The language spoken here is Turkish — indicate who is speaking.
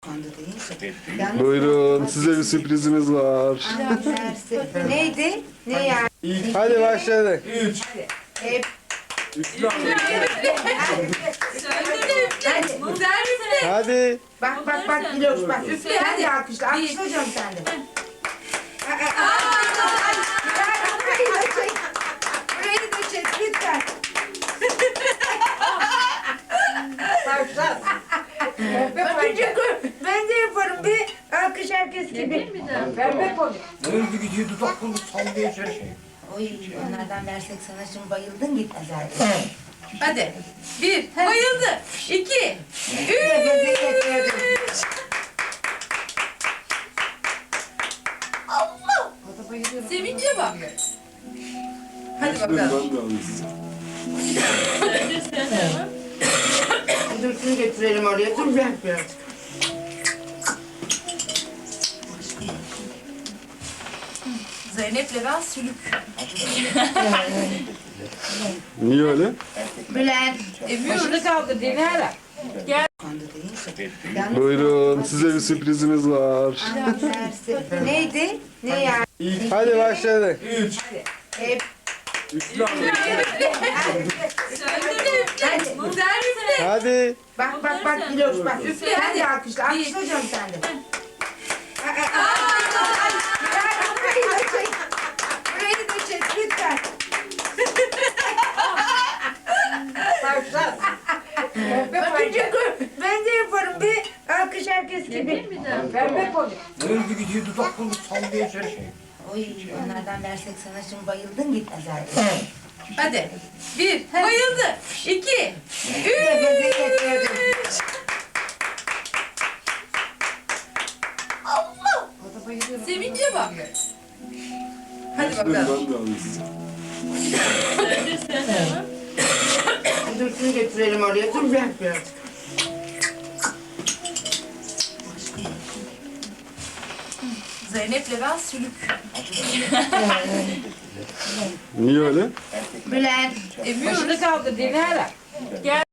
Speaker 1: Buyurun, size bir sürprizimiz var.
Speaker 2: Neydi? Ne yani?
Speaker 1: Hadi başlayalım.
Speaker 2: Hep.
Speaker 1: Hadi.
Speaker 2: Bak Diloş bak. Üfle hadi alkışla. Alkışlayacağım sen de. Burayı da çek lütfen. Ben de yaparım bir alkış herkes gibi. Pembe koy.
Speaker 3: Öldü gidiyor dudaklarını sallıyor şey.
Speaker 2: Oy onlardan versek sana şimdi bayıldın gitmez artık.
Speaker 4: Hadi. Bir. Bayıldı. İki. Üç. Allah. Sevince bak. Hadi bakalım.
Speaker 2: Dur şunu getirelim oraya. Dur ben biraz.
Speaker 4: Zeynep Levent Sülük.
Speaker 1: Niye öyle?
Speaker 2: Bülent.
Speaker 4: Başını kaldır Dilara. Gel.
Speaker 1: Buyurun, size bir sürprizimiz var.
Speaker 2: Neydi? Ne yani?
Speaker 1: Hadi başlayalım.
Speaker 2: Hep.
Speaker 1: Hadi.
Speaker 2: Bak Diloş bak. Üfle hadi alkışla. Alkışlayacağım sen de. Burayı da çek lütfen. Ben de yaparım bir alkış herkes gibi. Pembe koy.
Speaker 3: Öldü gidiyor dudaklarını sallıyor şey.
Speaker 2: Oy onlardan versek sana şimdi bayıldın gitmez artık.
Speaker 4: Hadi. Bir. Bayıldı. İki. Üç. Allah. Sevince bak. Hadi bakalım.
Speaker 2: Dur şunu getirelim oraya. Dur ben biraz.
Speaker 4: Zeynep Levent Sülük.
Speaker 1: Niye öyle?
Speaker 2: Bülent.
Speaker 4: Başını kaldır Dilara. Gel.